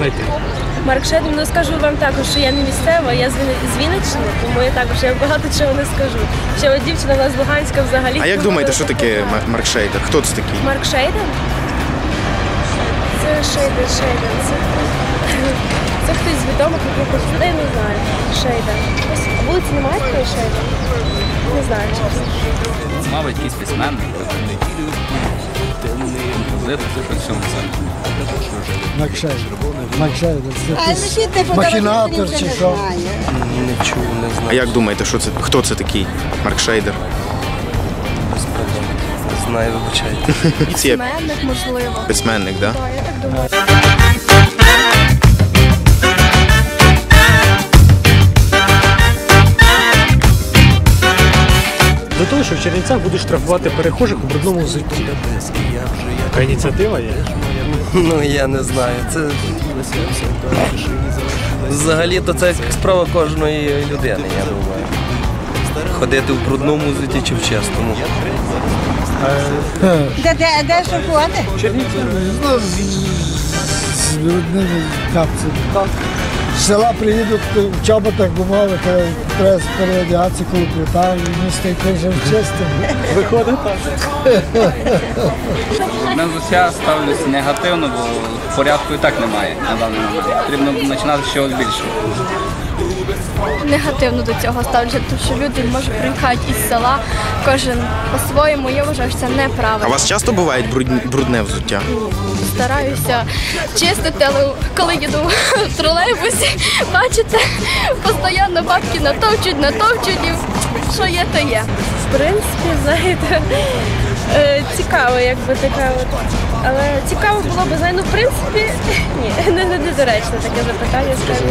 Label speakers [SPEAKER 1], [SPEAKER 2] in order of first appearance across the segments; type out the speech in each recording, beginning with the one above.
[SPEAKER 1] знайти?
[SPEAKER 2] Марк Шейден, ну скажу вам також, що я не місцева, я з Вінниччини, тому я також багато чого не скажу. Ще от дівчина у нас з Луганська взагалі.
[SPEAKER 3] А як думаєте, що таке Марк Шейден? Хто це такий?
[SPEAKER 2] Марк Шейден? Це Шейден. Це хтось з відомих, я не знаю. Шейден. А вулиці немає такої Шейден? Не знаю, чесно.
[SPEAKER 4] Мабуть, якийсь письменник.
[SPEAKER 5] Марк Шейден. Махінатор чи що?
[SPEAKER 6] Не чув, не знаю.
[SPEAKER 3] А як думаєте, хто це такий Марк Шейдер?
[SPEAKER 6] Не знаю, вибачайте.
[SPEAKER 2] Письменник, можливо.
[SPEAKER 3] Письменник, так?
[SPEAKER 2] Так, я так думаю.
[SPEAKER 1] До того, що в Чернівцях будуть штрафувати перехожих у брудному взутті. Така ініціатива є?
[SPEAKER 6] Ну, я не знаю. Це... Взагалі-то це справа кожної людини, я думаю. Ходити в брудному взутті чи в чистому.
[SPEAKER 7] Де шоколади?
[SPEAKER 1] Чернівці.
[SPEAKER 5] З брудними капцями. З села приїдуть в чоботах, бумали, треба переодягатися коли плита, і не стоїть вже чистим.
[SPEAKER 1] Виходить так.
[SPEAKER 4] На взуття ставлюся негативно, бо порядку і так немає на даний момент. Потрібно починати з чогось більшого.
[SPEAKER 8] Негативно до цього ставлюся, тому що люди можуть приїхати із села, кожен по-своєму, я вважаю, що це
[SPEAKER 3] А у
[SPEAKER 8] неправильно.
[SPEAKER 3] вас часто буває брудне взуття?
[SPEAKER 8] Стараюся чистити, але коли їду в тролейбусі, бачите, постійно бабки натовчуть, і що є, то є.
[SPEAKER 2] В принципі, знаєте, цікаво, якби така от. Але цікаво було б, знаєте, ну, в принципі, ні, недоречне таке запитання, скажімо.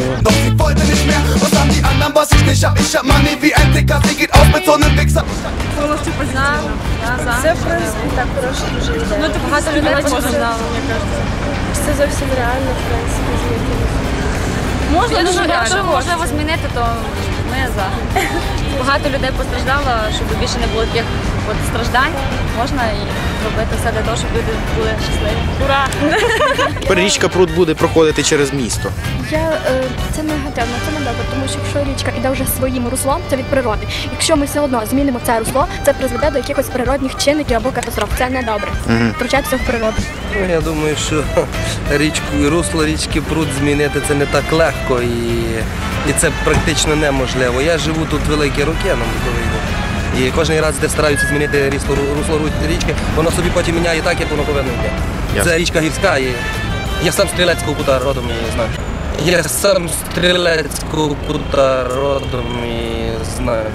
[SPEAKER 2] Це, в принципі, так, хороша дуже ідея. Ну, багато людей постраждало, мені кажеться. Це зовсім реально, в принципі, змінити.
[SPEAKER 9] Якщо можливо змінити, то ми за. Багато людей постраждало, щоб більше не було таких страждань. Можна і робити все для того, щоб люди були щасливі. Ура!
[SPEAKER 3] Тепер річка Прут буде проходити через місто.
[SPEAKER 8] Це негативно, це не добре, тому що якщо річка йде вже своїм руслом, це від природи. Якщо ми все одно змінимо це русло, це призведе до якихось природних чинників або катастроф. Це не добре. Втручатися в природу.
[SPEAKER 6] Ну, я думаю, що русло річки Прут змінити це не так легко і це практично неможливо. Я живу тут великі роки на Буковині. І кожен раз, де стараються змінити русло річки, воно собі потім міняє так, як воно повинно йти. Це річка гірська, і я сам з Стрілецького кута родом і знаю. Я сам з Стрілецького кута родом і знаю.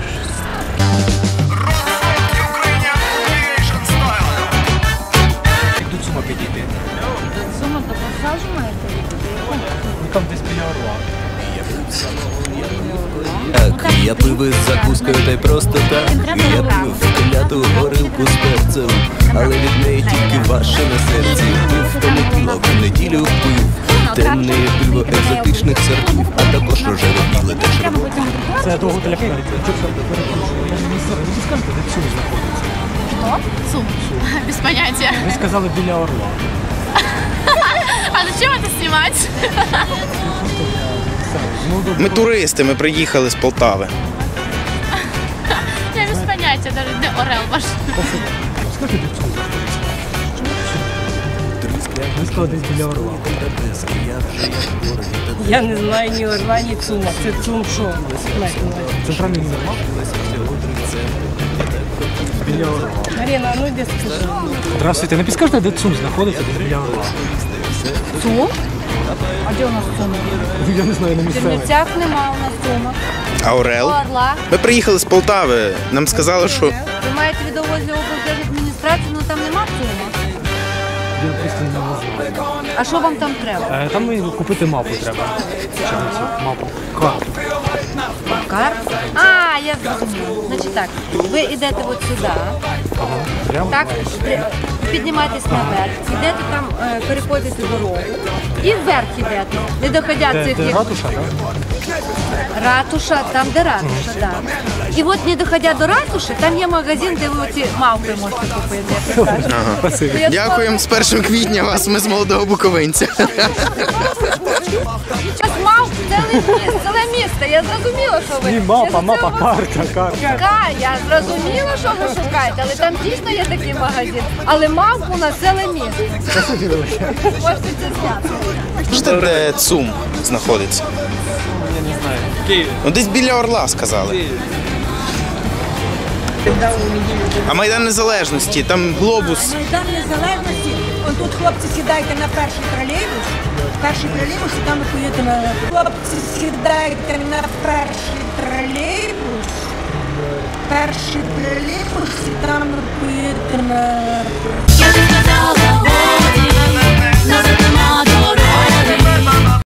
[SPEAKER 1] Як до Цума підійти?
[SPEAKER 9] Сума до пасажу маєте?
[SPEAKER 1] Ну там десь біля Орла.
[SPEAKER 10] Я пив із закускою та й просто так. Я пив кляту горілку з перцем, але від неї тільки ваше на серці. Пив понеділок, в неділю пив темне пиво екзотичних сортів, а також рожеве біле та червоне.
[SPEAKER 1] Це до готеля Флоріда. Ви скажете, де Цум знаходиться?
[SPEAKER 9] Хто? Сум. Без поняття.
[SPEAKER 1] Ви сказали біля Орла.
[SPEAKER 9] А зачем це знімати?
[SPEAKER 3] Ми туристи, ми приїхали з Полтави.
[SPEAKER 9] Я без поняття, навіть де Орел ваш.
[SPEAKER 1] Скажіть, де Цум знаходиться? Ви сказали десь біля Орла.
[SPEAKER 7] Я не знаю ні Орла, ні Цума. Це Цум що?
[SPEAKER 1] Центральний універмаг? Біля Орла.
[SPEAKER 7] Марина, ну йди скажи.
[SPEAKER 1] Здравствуйте, не підскажете, де Цум знаходиться, десь біля Орла?
[SPEAKER 7] Цум? А де у нас Цум?
[SPEAKER 1] Я не знаю, на
[SPEAKER 7] В
[SPEAKER 1] місцевий.
[SPEAKER 7] Чернівцях нема у нас Цума.
[SPEAKER 3] А Орел?
[SPEAKER 7] Орла.
[SPEAKER 3] Ми приїхали з Полтави, нам сказали, що...
[SPEAKER 7] Ви маєте від облдержадміністрації, але там нема Цума.
[SPEAKER 1] Я просто не знаю.
[SPEAKER 7] А що вам там треба?
[SPEAKER 1] Там купити мапу треба. Мапу. Карту.
[SPEAKER 7] Карту? А, я зрозуміла. Значить так, ви йдете от сюди,
[SPEAKER 1] Прямо?
[SPEAKER 7] так, піднімаєтесь наверх, йдете там, переходите дорогу і вверх йдете, не доходять цих...
[SPEAKER 1] Де ратуша, так?
[SPEAKER 7] Ратуша, там де ратуша, так. І от не доходя до ратуші, там є магазин, де ви оці мавпи можете купити, як ви кажете.
[SPEAKER 3] Дякуємо з 1 квітня вас, ми з молодого буковинця.
[SPEAKER 7] Мавп, ціле місто, я зрозуміла, що ви.
[SPEAKER 1] Мапа, карта.
[SPEAKER 7] Я зрозуміла, що ви шукаєте, але там дійсно є такий магазин. Але мавп у нас ціле місто. Можете це зняти.
[SPEAKER 3] Знаєте, де ЦУМ знаходиться?
[SPEAKER 1] Я не знаю. Київ.
[SPEAKER 3] Ну, десь біля Орла, сказали. А Майдан Незалежності, там глобус.
[SPEAKER 11] Майдан Незалежності, он тут хлопці сідайте на перший тролейбус, і там ви поїдете на... Хлопці сідайте на перший тролейбус, і там ви поїдете на...
[SPEAKER 12] Я не сказала годі, не затримати.